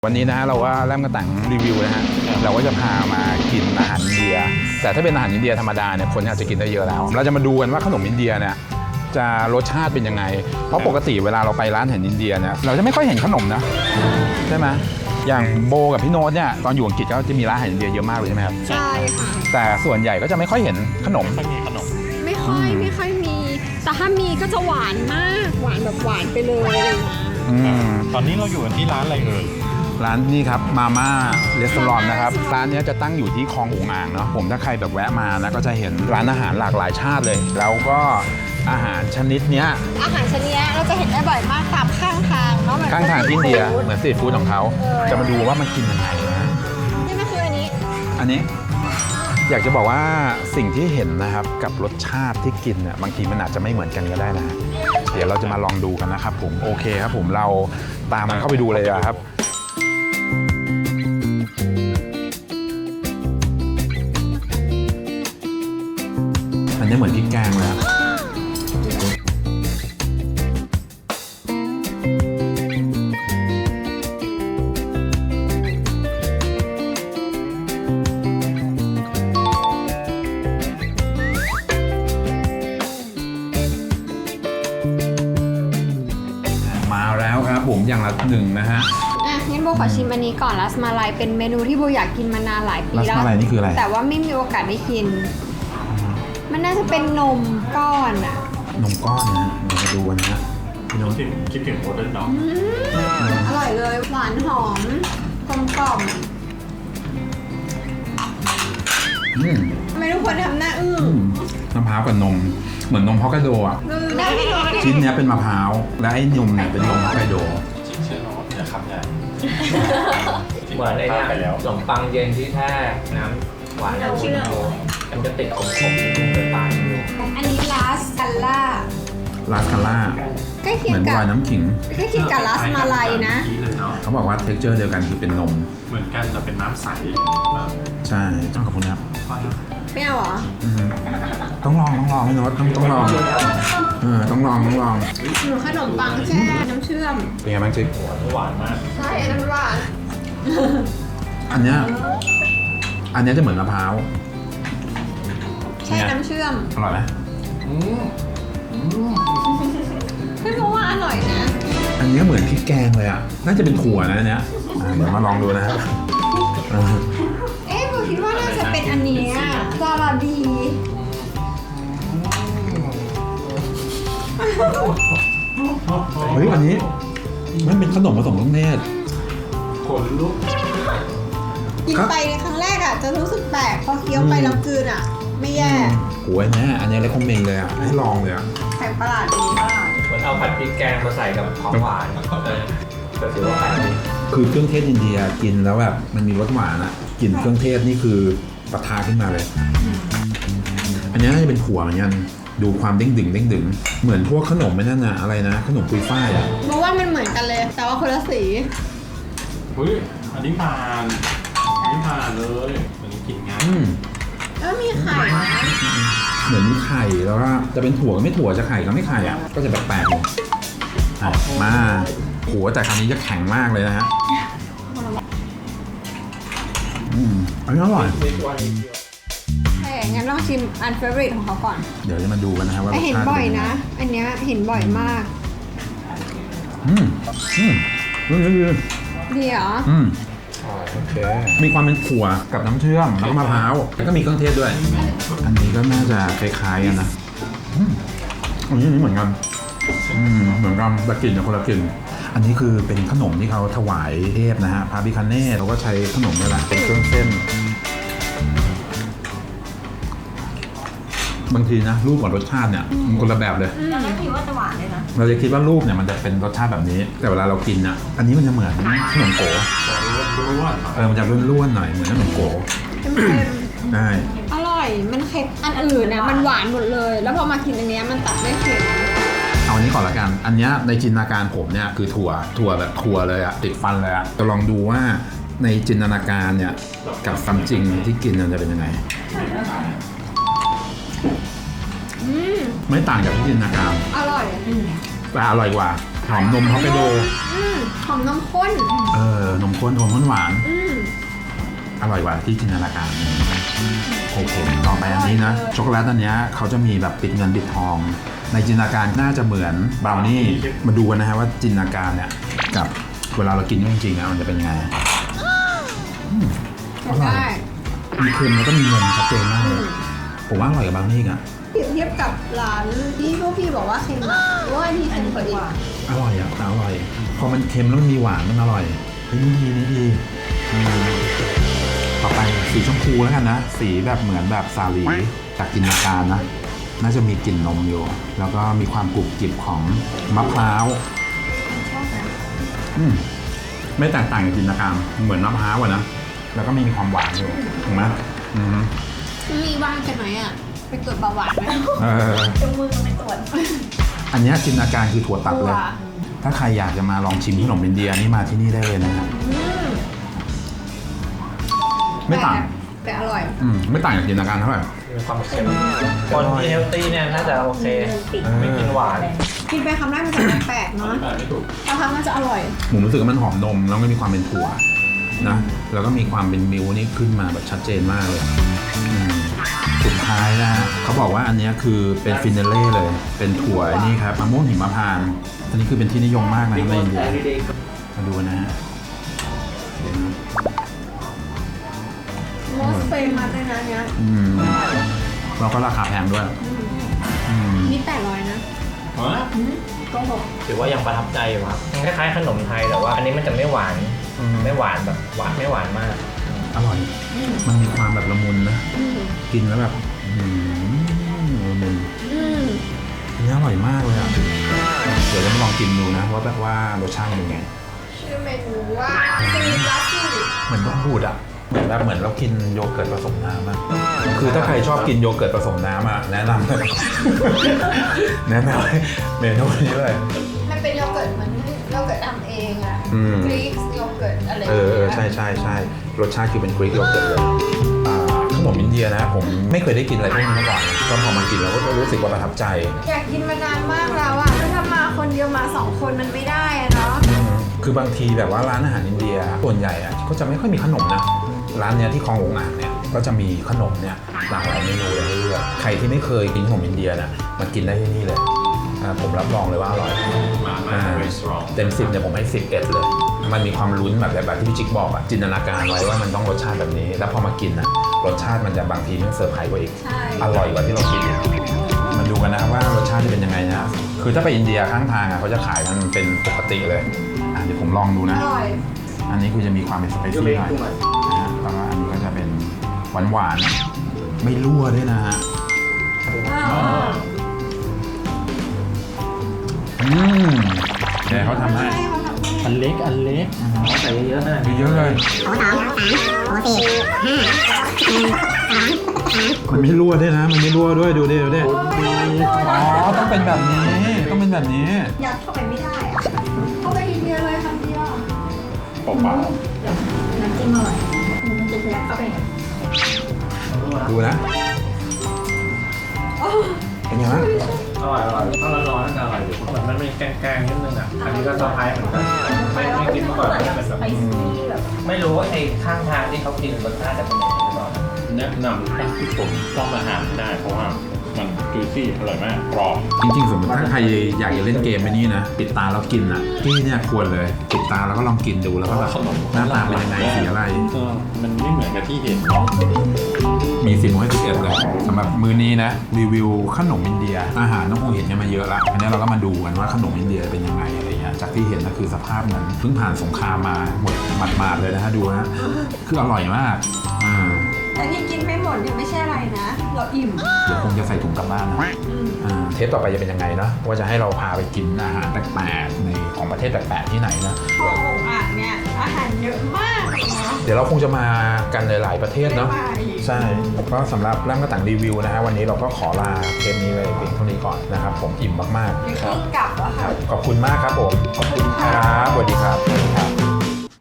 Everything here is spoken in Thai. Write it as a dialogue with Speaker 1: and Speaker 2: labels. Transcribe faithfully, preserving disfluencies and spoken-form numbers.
Speaker 1: วันนี้นะฮะเราก็เริ่มกระตังรีวิวนะฮะเราก็จะพามากินอาหารอินเดียแต่ถ้าเป็นอาหารอินเดียธรรมดาเนี่ยคนอาจจะกินได้เยอะแล้วเราจะมาดูกันว่าขนมอินเดียเนี่ยจะรสชาติเป็นยังไงเพราะปกติเวลาเราไปร้านอาหารอินเดียเนี่ยเราจะไม่ค่อยเห็นขนมนะใช่ไหมอย่างโบกับพี่โน้ตเนี่ยตอนอยู่อังกฤษก็จะมีร้านอาหารอินเดียเยอะมากเลยใช่ไหมครับ
Speaker 2: ใช่ค่ะ
Speaker 1: แต่ส่วนใหญ่ก็จะไม่ค่อยเห็นขนม
Speaker 3: ไม่มีขนม
Speaker 2: ไม่ค่อยไม่ค่อยมีแต่ถ้ามีก็จะหวานมากหวานแบบหวานไปเลยนะ
Speaker 3: ตอนนี้เราอยู่กันที่ร้านอะไรเอ่ย
Speaker 1: ร้านนี่ครับมาม่าเรสตอรองนะครับร้านนี้จะตั้งอยู่ที่คลององอ่างเนาะผมถ้าใครแบบแวะมานะก็จะเห็นร้านอาหารหลากหลายชาติเลยแล้วก็อาหารชนิดเนี้ย
Speaker 2: อาหารชนิดนี้เราจะเห็นได้บ่อยมากตามข้างทางเนาะ
Speaker 1: ข้างทางที่อินเดียเหมือนสตรีทฟู้ดของเขาจะมาดูว่ามันกินยังไงนะ
Speaker 2: นี่ก็คืออันนี้
Speaker 1: อันนี้อยากจะบอกว่าสิ่งที่เห็นนะครับกับรสชาติที่กินเนี่ยบางทีมันอาจจะไม่เหมือนกันก็ได้นะเดี๋ยวเราจะมาลองดูกันนะครับผมโอเคครับผมเราตามมันเข้าไปดูเลยครับอันนี้เหมือนพริกแกงเลยมาแล้วครับผมอย่างละหนึ่งนะฮะ
Speaker 2: อ่ะงั้นโบขอชิมอันนี้ก่อนรัสมาลัยเป็นเมนูที่โบอยากกินมานานหลายปีแล้ว
Speaker 1: รัสมาลัยนี่คืออะไร
Speaker 2: แต่ว่าไม่มีโอกาสได้กินมันน่าจะเป็นนมก้อนอะ
Speaker 1: นมก้อนนะเรามาดูกันนะ
Speaker 3: พี่น้องคิดถึงโมเดิร์นด็อก
Speaker 2: อร่อยเลยหวานหอมกลมกล่อมทำไมทุกคนทำหน้าอื้อ
Speaker 1: มะพร้าวกับนมเหมือนนมฮอกไกโดอ่ะชิ้นนี้เป็นมะพร้าวและไอ้นมเนี่ยเป็นนมฮอกไกโด
Speaker 3: เชื่อน้องอย่าขับใหญ่
Speaker 4: เหมือนไอ้เนี่ยขนมปังเย็นที่แท้น้ำหวานน้ำชิมโมันจะติดขมๆนิดนึงจะตายไม่รู้
Speaker 2: อันนี้ลาสกัลล่า
Speaker 1: ลาสกัลล่า
Speaker 2: ใกล้เคียงกับ
Speaker 1: น้ำขิง
Speaker 2: ใกล้เคียงกับลาสมาลัยนะ
Speaker 1: เขาบอกว่าเท็กเจอร์เดียวกันคือเป็นนม
Speaker 3: เหมือนกันแต่เป็นน้ำใส
Speaker 1: ใช่ต้องขอบคุณครับ
Speaker 2: ไม่เอาเหรอ
Speaker 1: ต้องลองต้องลองพี่โน้ตต้องต้องลองเออต้องลองต้องลอง
Speaker 2: หนูขนมปังแช่น้ำเชื่อม
Speaker 1: เป็นไงบ้างจิ๊ก
Speaker 3: หวานมาก
Speaker 2: ใช่น้ำหวาน
Speaker 1: อันเนี้ยอันเนี้ยจะเหมือนมะพร้าว
Speaker 2: แช่น้ำเชื่อม
Speaker 1: อร่อยไหม
Speaker 2: ไม่รู้ว่าอร่อยนะ
Speaker 1: อันนี้เหมือนพริกแกงเลยอ่ะน่าจะเป็นถั่วนะอันเนี้ยเดี๋ยวมาลองดูนะ
Speaker 2: เอ๊ะผมคิดว่าน่าจะเป็นอันนี้จาราบี
Speaker 1: เฮ้ยอันนี้มันเป็นขนมผสมเครื่องเทศ
Speaker 3: ขนลุก
Speaker 2: กินไปในครั้งแรกอ่ะจะรู้สึกแปลกพอเคี้ยวไปแล้วกลืนอ่ะไม่แย่
Speaker 1: โอ้ยแม่อันนี้เลยคอมเมนต์เลยอ่ะให้ลองเลยอ่ะ
Speaker 2: แปลกประหลาดดีมาก
Speaker 4: เหมือนเอาผัดพริกแกงมาใส่กับของหวานแต่ถือว่าแปลกดี
Speaker 1: คือเครื่องเทศอินเดียกินแล้วแบบมันมีรสหวานอ่ะกลิ่นเครื่องเทศนี่คือปะทะขึ้นมาเลยอันนี้น่าจะเป็นถั่วเหมือนกันดูความเด้งดึงเด้งดึงเหมือนพวกขนมไม่นั่นน่ะอะไรนะขนมปุยฝ้ายอ่ะ
Speaker 2: เพราะว่ามันเหมือนกันเลยแต่ว่าคนละสี
Speaker 3: เฮ้ยอันนี้ผ่านอันนี้ผ่านเลยอันนี้กินง่าย
Speaker 2: แล้วมีไข่
Speaker 1: เหมือนมีไข่แล้วก็จะเป็นถั่วก็ไม่ถั่วจะไข่ก็ไม่ไข่อ่ะก็จะแปลกๆมาหัวแต่ครั้งนี้จะแข็งมากเลยนะฮะอืมอันนี้อร่อย
Speaker 2: ใช่งั้นลองชิมอันเฟเวอร์ของเขาก่อน
Speaker 1: เดี๋ยวจะมาดูกันนะครับว่า
Speaker 2: เห็นบ่อยนะอันเนี้ยเห็นบ่อยมาก
Speaker 1: อืมอืมดีดี
Speaker 2: ดีเหรอ
Speaker 1: อืมโอเคมีความเป็นถั่วกับน้ำเชื่อมแล้วก็มะพร้าวแล้วก็มีเครื่องเทศด้วยอันนี้ก็น่าจะคล้ายๆกันนะอันนี้เหมือนกันอืมเหมือนกันแต่กลิ่นคนละกลิ่นอันนี้คือเป็นขนมที่เขาถวายเทพนะฮะพระพิฆเนศเขาก็ใช้ขนมนี่แหละเป็นเครื่องเส้นบางทีนะรูปกับรสชาติเนี่ยมันคนละแบบเลย
Speaker 2: เราไม่คิดว่าจะหวานเลยนะ
Speaker 1: เราจะคิดว่ารูปเนี่ยมันจะเป็นรสชาติแบบนี้แต่เวลาเรากินอ่ะอันนี้มันจะเหมือนขนมโก๋เออมันจะร่วนๆหน่อยเหมือนขนมโก๋ใช่
Speaker 2: อร่อยมันเค็มอันอื่นเนี่ยมันหวานหมดเลยแล้วพอมากินอันนี้มันตัดได้เค็ม
Speaker 1: เอาอันนี้ก่อนละกันอันนี้ในจินตนาการผมเนี่ยคือถั่วถั่วแบบถั่วเลยอะติดฟันเลยอะจะลองดูว่าในจินตนาการเนี่ยกับความจริงที่กินมันจะเป็นยังไงไม่ต่างจากที่จินตนาการ
Speaker 2: อร่อย
Speaker 1: แต่อร่อยกว่า
Speaker 3: ค
Speaker 1: หอมนมฮอกไกโด
Speaker 2: อืมหอมนมข้น
Speaker 1: เออนมข้นนมข้นหวาน
Speaker 2: อืม
Speaker 1: อร่อยกว่าที่จินตนาการโอเคต่อไปอันนี้นะช็อกโกแลตอันเนี้ยเขาจะมีแบบปิดเงินปิดทอง ในจินตนาการน่าจะเหมือนบราวนี่มาดูกันนะฮะว่าจินตนาการเนี่ยกับเวลาเรากินจริงๆอ่ะมันจะเป็นยังไงอืมอร่อย
Speaker 2: ได้
Speaker 1: มีเค็มแล้วก็มีนมชัดเจนมากเลยผมว่าอร่อยกับบราวนี่อ่ะ
Speaker 2: เปรียบเทียบกับร้านที่พวกพี่บอกว่าเค็มอะหรือว่าอันที่เค็มกว่าอีก
Speaker 1: อร่อยอ่ะแต่อร่อย พอมันเค็มแล้วมันมีหวานมันอร่อยเฮ้ยนี่ดีนี่ดีอืมต่อไปสีชมพูแล้วกันนะสีแบบเหมือนแบบสาลีจากจินตนาการนะน่าจะมีกลิ่นนมอยู่แล้วก็มีความกรุบกริบของมะพร้าวอืมไม่แตกต่างจากจินตนาการเหมือนมะพร้าวอะนะแล้วก็มีความหวานอยู่ถูกไหมอืม
Speaker 2: มีว่างกันไหมอะไปตรวจเบาหวานไหม
Speaker 1: เออ
Speaker 2: จงมือไปตรวจ
Speaker 1: อันเนี้ยจินตนาการคือถั่วตัดเลย
Speaker 2: ถั่ว
Speaker 1: ถ้าใครอยากจะมาลองชิมขนมอินเดียนี่มาที่นี่ได้เลยนะครับ
Speaker 2: อืม
Speaker 1: ไม่ต่าง
Speaker 2: แต่แต่อร่อย
Speaker 1: อืมไม่ต่างจากจินตนาการเท่าไหร่
Speaker 4: มีความเค็มคนที่เฮลตี้เนี่ยน่าจะโอเคไม่กินหวาน
Speaker 2: กินไปคำแรกมันจะแปลกๆ
Speaker 3: อ
Speaker 2: เนาะ
Speaker 3: ธิบายไม่ถูก
Speaker 2: บางครั้งมันจะอร่อย
Speaker 1: ผมรู้สึกว่ามันหอมนมแล้วก็มีความเป็นถั่วนะแล้วก็มีความเป็นมิลค์นี่ขึ้นมาแบบชัดเจนมากเลยอืมสุดท้ายนะฮะเขาบอกว่าอันเนี้ยคือเป็นฟินาเล่เลย เป็นถั่วไอ้นี่ครับมะม่วงหิมพานต์อันนี้คือเป็นที่นิยมมากนะในอินเดียมาดูนะฮะเดี๋ยวนะ
Speaker 2: โมสเฟมัสเลยนะเนี้ย
Speaker 1: อืมแล้วก็ราคาแพงด้วยอืม
Speaker 2: นี่แปดร้อยนะ
Speaker 3: ฮะ
Speaker 2: ก็หก
Speaker 4: ถือว่ายังประทับใจอยู่ครับมันคล้ายๆขนมไทยแต่ว่าอันนี้มันจะไม่หวานไม่หวานแบบหวานไม่หวานมาก
Speaker 1: อร่อย มันมีความแบบละมุนนะ
Speaker 2: อืม
Speaker 1: กินแล้วแบบอืมละมุน
Speaker 2: อืม
Speaker 1: อันนี้อร่อยมากเลยอ่ะ เดี๋ยวจะมาลองกินดูนะว่าแบบว่ารสชาติเป็นไง
Speaker 2: ชื่อเมนูว่าซีลัสซี่
Speaker 1: เหมือนต้องพูดอ่ะเหมือนแบบเหมือนเรากินโยเกิร์ตผสมน้ำอ่ะคือถ้าใครชอบกินโยเกิร์ตผสมน้ำอ่ะแนะนำเลย แนะนำให้เมนูนี้เลย
Speaker 2: มันเป็นโยเกิร์ตเหมือนโยเกิร์ตทำเองอะ
Speaker 1: อืม
Speaker 2: กรีกโยเกิร์ตอะไร
Speaker 1: เออเออใช่ใช่ใช่รสชาติคือเป็นกรีกโยเกิร์ตเลยอ่าขนมอินเดียนะผมไม่เคยได้กินอะไรพวกนี้มาก่อนก็พอมากินแล้วก็รู้สึกว่าประทับใจ
Speaker 2: อยากกินมานานมากแล้วอะถ้ามาคนเดียวมาสองคนมันไม่ได้อะเนาะ
Speaker 1: อืมคือบางทีแบบว่าร้านอาหารอินเดียส่วนใหญ่อะก็จะไม่ค่อยมีขนมนะร้านเนี้ยที่คลองหลวงอ่างเนี่ยก็จะมีขนมเนี่ยหลากหลายเมนูเลยให้เลือกใครที่ไม่เคยกินขนมอินเดียนะมากินได้ที่นี่เลยอ่าผมรับรองเลยว่าอร่อย
Speaker 3: มามา very strong
Speaker 1: เต็มสิบเนี่ยผมให้สิบเอ็ดเลย มันมีความลุ้นแบบแบบที่พี่จิ๊กบอกอะจินตนาการไว้ว่ามันต้องรสชาติแบบนี้ แล้วพอมากินอะรสชาติมันจะบางทีมันเซอร์ไพรส์กว่าอีก
Speaker 2: ใช่
Speaker 1: อร่อยกว่าที่เราคิดอีกมาดูกันนะว่ารสชาติจะเป็นยังไงนะคือถ้าไปอินเดียข้างทางอะเขาจะขายกันเป็นปกติเลยอ่ะเดี๋ยวผมลองดู
Speaker 2: อ
Speaker 1: นะ
Speaker 2: ร่อย
Speaker 1: อันนี้คือจะมีความเป็นสไปซี่หน่อยนะฮะแล้วก็อันนี้ก็จะเป็นหวานหวานๆไม่รั่วด้วยนะฮะ
Speaker 2: อ่า
Speaker 1: อืมเดี๋ยวเขาทำให้
Speaker 2: ใช่เขาทำให้
Speaker 3: อันเล็กอันเล็ก
Speaker 4: ใส่เยอะๆนะ
Speaker 1: เยอะเลย
Speaker 5: โอ้สองสามโอ้สี่ห้าหนึ่งสองสาม
Speaker 1: มันไม่รั่วด้วยนะ มันไม่รั่วด้วยดูดิดูดิอ๋อต้องเป็นแบบนี้ต้องเป็นแบบนี้
Speaker 2: ยัดเข้าไปไม่ได้อะเข้าไปทีเดียวเลยคำเดียว
Speaker 3: เปล่า
Speaker 2: น้ำจิ้มอร่อยมันจะยัดเข้าไปไง
Speaker 1: ดูนะเป็นไงบ้าง
Speaker 4: อร่อยอร่อยถ้าร้อนๆน่าจะอร่อยอยู่เหมือนมันมีแกงๆนิดนึงอ่ะอันนี้ก็เซอร์ไพรส์เหมือนกันไม่ไม่คิดมาก่อนว่าจะเป็นแบบนี้ไม่รู้ว่าไอ้ข้างทางที่เขากินรสชาติจะเป็นยังไงหรือเปล่า
Speaker 3: ๆแนะนำให้ทุกคนต้องมาหาได้เพราะว่ามันจุยซี่อร่อยมากกรอบ
Speaker 1: จริงๆสมมติถ้าใครอยากจะเล่นเกมไปนี่นะปิดตาแล้วกินอ่ะที่เนี่ยควรเลยปิดตาแล้วก็ลองกินดูแล้วก็แบบหน้าตาเป็นยังไงสีอะไร
Speaker 3: เออมันไม่เหมือนกับที่เห็น
Speaker 1: มีสิบโมงให้สิบเอ็ดเลยสำหรับมื้อนี้นะรีวิวขนมอินเดียอาหารต้องคงเห็นกันมาเยอะละอันนี้เราก็มาดูกันว่าขนมอินเดียเป็นยังไงอะไรเงี้ยจากที่เห็นก็คือสภาพเหมือนเพิ่งผ่านสงครามมาหมดหมาดๆเลยนะฮะดูนะคืออร่อยมากอ่า
Speaker 2: แต่ที่กินไม่หมดเนี่ยไม่ใช่อะไรนะ เราอิ่ม
Speaker 1: เดี๋ยวคงจะใส่ถุงกลับบ้านนะอ่าเทปต่อไปจะเป็นยังไงนะว่าจะให้เราพาไปกินอาหารแปลกๆในของประเทศแปลกๆที่ไหนนะ
Speaker 2: พอองอ่างเนี่ยอาหารเยอะมากเนาะ
Speaker 1: เดี๋ยวเราคงจะมากันหลายๆประเทศเนาะ
Speaker 2: ไม่ไป
Speaker 1: ใช่ก็สำหรับร่างกระต่างรีวิวนะฮะวันนี้เราก็ขอลาเทปนี้เลยเพียงเท่านี้ก่อนนะครับผมอิ่มมาก
Speaker 2: มีเครื่องกลับแล้ว
Speaker 1: ๆค
Speaker 2: ค่ะ
Speaker 1: รับขอบคุณมากครับผมขอบคุณครับสวัสดีครับ